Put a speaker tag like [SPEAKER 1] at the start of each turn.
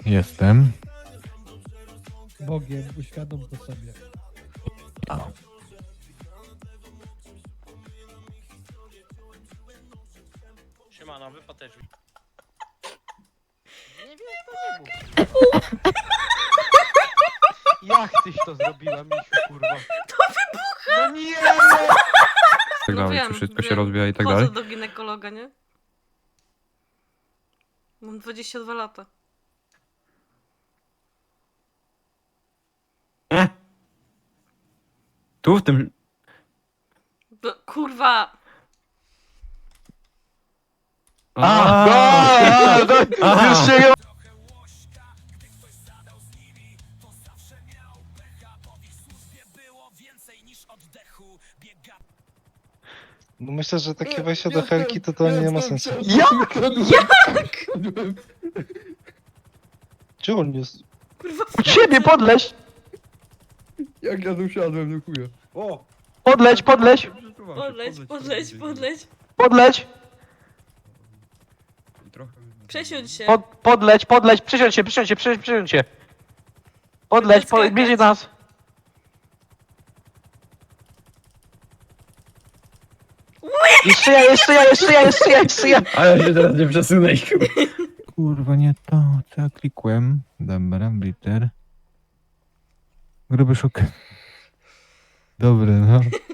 [SPEAKER 1] Jestem.
[SPEAKER 2] Bogiem, uświadom to sobie.
[SPEAKER 3] Siemano, wypad też.
[SPEAKER 4] Nie wiem, to nie mów. Jak tyś to zrobiła, Misiu, kurwa?
[SPEAKER 5] To wybucha!
[SPEAKER 4] No nie!
[SPEAKER 1] Tak dalej,
[SPEAKER 5] wiem,
[SPEAKER 1] czy wszystko się
[SPEAKER 5] wiem.
[SPEAKER 1] rozwija i tak
[SPEAKER 5] Chodzę
[SPEAKER 1] dalej.
[SPEAKER 5] do ginekologa, nie? Mam 22 lata.
[SPEAKER 1] Tu w tym...
[SPEAKER 5] Kurwa!
[SPEAKER 4] Już się ją...
[SPEAKER 6] No myślę, że takie wejście do helki to nie ma sensu.
[SPEAKER 4] Jak?
[SPEAKER 6] Gdzie on jest?
[SPEAKER 5] Kurwa,
[SPEAKER 4] U ciebie podleź!
[SPEAKER 2] Jak ja tu siadłem, no chuja.
[SPEAKER 7] O!
[SPEAKER 4] Podleć, podleć!
[SPEAKER 5] podleć.
[SPEAKER 4] Podleć!
[SPEAKER 5] Przesiądź się.
[SPEAKER 4] Podleć, podleć! Przysiądź się! Podleć,
[SPEAKER 5] Skakać.
[SPEAKER 4] bierze nas! Jeszcze ja!
[SPEAKER 7] Ale się teraz nie przesunę.
[SPEAKER 1] Kurwa, nie to, co ja klikłem. Dobra, blitter. Gruby szuk. Dobry, no.